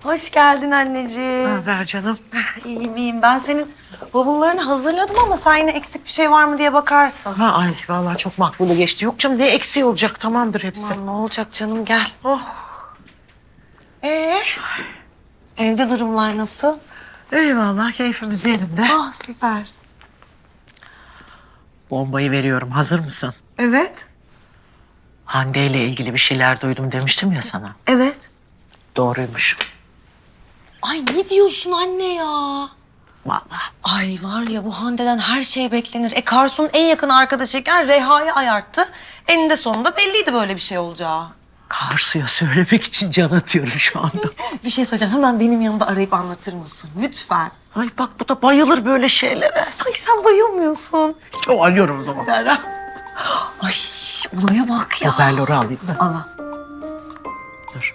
Hoş geldin anneciğim. Haber canım. İyiyim iyiyim. Ben senin bavullarını hazırladım ama sen yine eksik bir şey var mı diye bakarsın. Ha, ay vallahi çok makbule geçti. Yok canım, ne eksiği olacak, tamamdır hepsi. Aman ne olacak canım, gel. Oh. Evde durumlar nasıl? Eyvallah, keyfimiz yerinde. Ah süper. Bombayı veriyorum, hazır mısın? Evet. Hande ile ilgili bir şeyler duydum demiştim ya sana. Evet. Doğruymuş. Ay ne diyorsun anne ya? Vallahi. Ay var ya, bu Hande'den her şey beklenir. Karsu'nun en yakın arkadaşıyken Reha'yı ayarttı. Eninde sonunda belliydi böyle bir şey olacağı. Karsu'ya söylemek için can atıyorum şu anda. Bir şey söyleyeceğim. Hemen benim yanımda arayıp anlatır mısın? Lütfen. Ay bak, bu da bayılır böyle şeylere. Sanki sen bayılmıyorsun. Çok arıyorum o zaman. Dera. Ay olaya bak ya. Hoparlörü alayım da. Ana. Dur.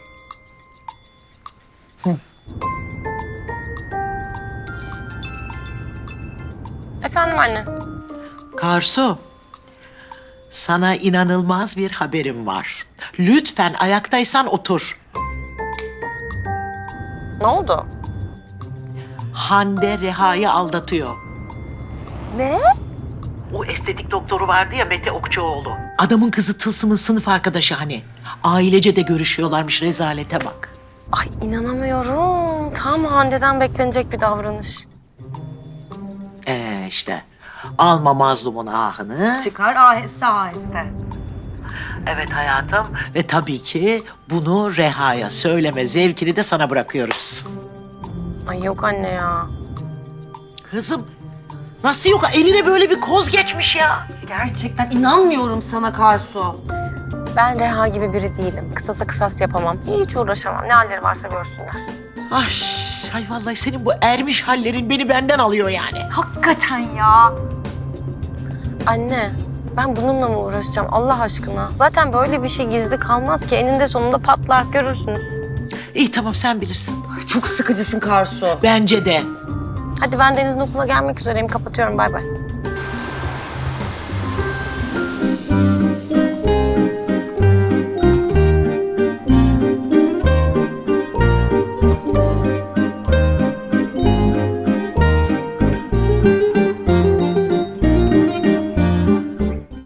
Efendim anne. Karsu, sana inanılmaz bir haberim var. Lütfen ayaktaysan otur. Ne oldu? Hande Reha'yı aldatıyor. Ne? O estetik doktoru vardı ya, Mete Okçuoğlu. Adamın kızı Tılsım'ın sınıf arkadaşı hani. Ailece de görüşüyorlarmış, rezalete bak. Ay inanamıyorum. Tam Hande'den beklenecek bir davranış. İşte alma mazlumun ahını. Çıkar aheste aheste. Evet hayatım. Ve tabii ki bunu Reha'ya söyleme zevkini de sana bırakıyoruz. Ay yok anne ya. Kızım, nasıl yok? Eline böyle bir koz geçmiş ya. Gerçekten inanmıyorum sana Karsu. Ben Reha gibi biri değilim. Kısasa kısas yapamam. Hiç uğraşamam. Ne halleri varsa görsünler. Ay vallahi senin bu ermiş hallerin beni benden alıyor yani. Hakikaten ya. Anne, ben bununla mı uğraşacağım Allah aşkına? Zaten böyle bir şey gizli kalmaz ki. Eninde sonunda patlar, görürsünüz. İyi tamam, sen bilirsin. Çok sıkıcısın Karsu. Bence de. Hadi ben Deniz'in okuluna gelmek üzereyim. Kapatıyorum. Bay bay.